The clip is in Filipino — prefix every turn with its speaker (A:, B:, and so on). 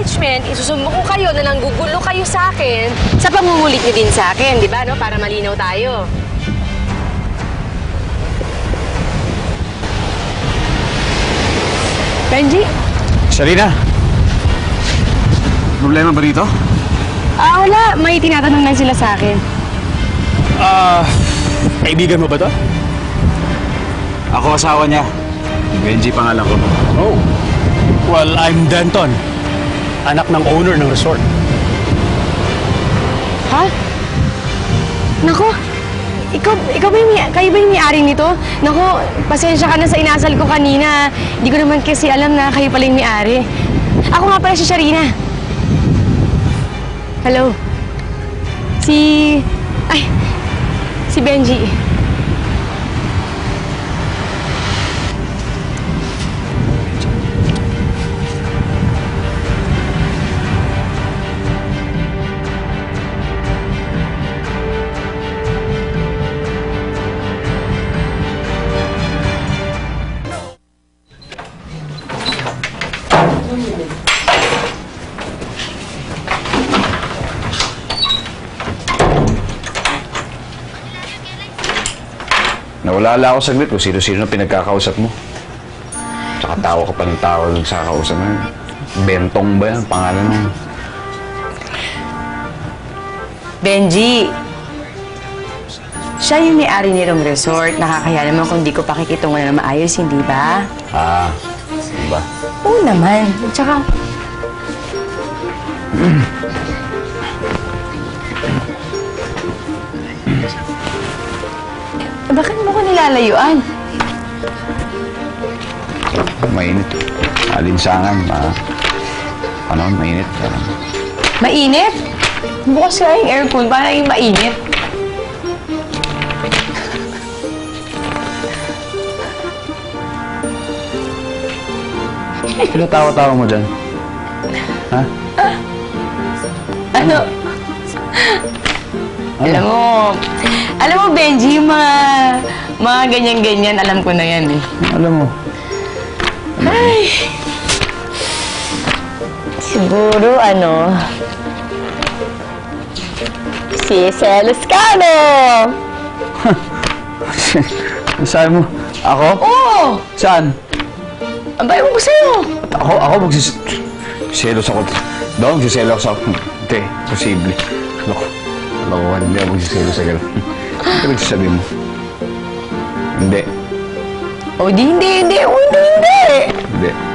A: management, isusumbo ko kayo na nanggugulo kayo sa akin sa pamumulit niyo din sa akin, di ba, no? Para malinaw tayo. Benji?
B: Sarina! Problema ba rito?
A: Wala. May tinatanong lang sila sa akin.
B: Kaibigan mo ba to? Ako asawa niya. Benji pangalan ko.
C: Oh. Well, I'm Denton. Anak ng owner ng resort.
A: Ha? Nako, kayo ba yung may-ari nito? Nako, pasensya ka na sa inasal ko kanina. Hindi ko naman kasi alam na kayo pala yung may-ari. Ako nga pala si Sharina. Hello. Si Benji.
B: Nawala ako saglit kung sino-sino na pinagkakausap mo. Tsaka tawa ka pa ng tawa sa kausap mo. Bentong ba yan? Pangalan mo?
A: Benji. Siya yung may-ari nitong resort. Nakakaya naman kung di ko pakikitungan na maayos, hindi ba?
B: Diba?
A: Oo naman. Tsaka... Bakit mo ko nilalayuan?
B: Mainit. Alinsangan. Mainit.
A: Mainit? Bukas nga yung aircon. Paano yung mainit?
B: Pinatawa-tawa mo dyan? Ha?
A: Ano? Alam mo, Benji, yung mga ganyan-ganyan, alam ko na yan eh.
B: Alam mo.
A: Ay. Siguro, si Celescano!
B: Saan mo? Ako?
A: Oo!
B: Saan?
A: Ang bayo mo ko sa'yo.
B: Ako magsiselos ako. Daw, magsiselos ako. Hindi, posible. Lokohan, hindi ako magsiselos sa gano'n. Ano nagsasabi mo? Hindi.
A: O, hindi.
B: Hindi.